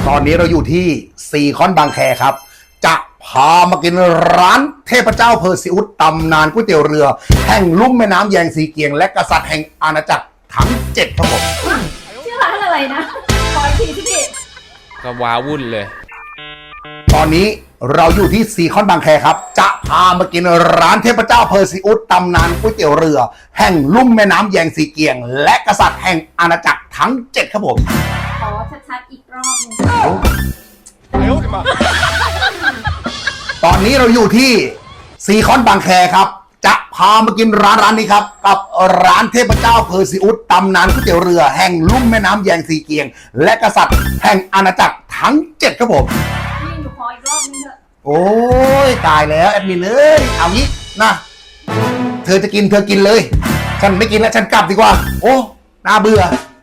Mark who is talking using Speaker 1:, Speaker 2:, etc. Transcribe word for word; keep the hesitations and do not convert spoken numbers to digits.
Speaker 1: ตอนนี้เราอยู่ที่ซีคอนบางแคครับจะพามากินร้านเทพเจ้าเพอร์ซิอุสตำนานก๋วยเตี๋ยวเรือแห่งลุ่มแม่น้ำแยงสีเกียงและกษัตริย์แห่งอาณาจักรทั้งเจ็ดครับผม
Speaker 2: ชื่อร้านอะไรนะขออีกทีพี่
Speaker 3: ก็ว้าวุ่นเลย
Speaker 1: ตอนนี้เราอยู่ที่ซีคอนบางแคครับจะพามากินร้านเทพเจ้าเพอร์ซิอุสตำนานก๋วยเตี๋ยวเรือแห่งลุ่มแม่น้ำแยงสีเกียงและกษัตริย์แห่งอาณาจักรทั้งเจ็ดครับผม
Speaker 2: ขอชัดๆอีกรอบหนึง
Speaker 1: ตอนนี้เราอยู่ที่ซีคอนบางแคครับจะพามากินร้านร้านนี้ครับกับร้านเทพเจ้าเพอร์ซิอุสตำนานก๋วยเตี๋ยวเรือแห่งลุ่มแม่น้ำแยงสีเกียงและกษัตริย์แห่งอาณาจักรทั้งเจ็ดครับผม
Speaker 2: พี่หนูขออีกรอบนึงเถอะ
Speaker 1: โอ้ยตายแล้วแอดมินเอ้ยเอางี้นะเธอจะกินเธอกินเลยฉันไม่กินแล้วฉันกลับดีกว่าโอ้น่าเบื่อ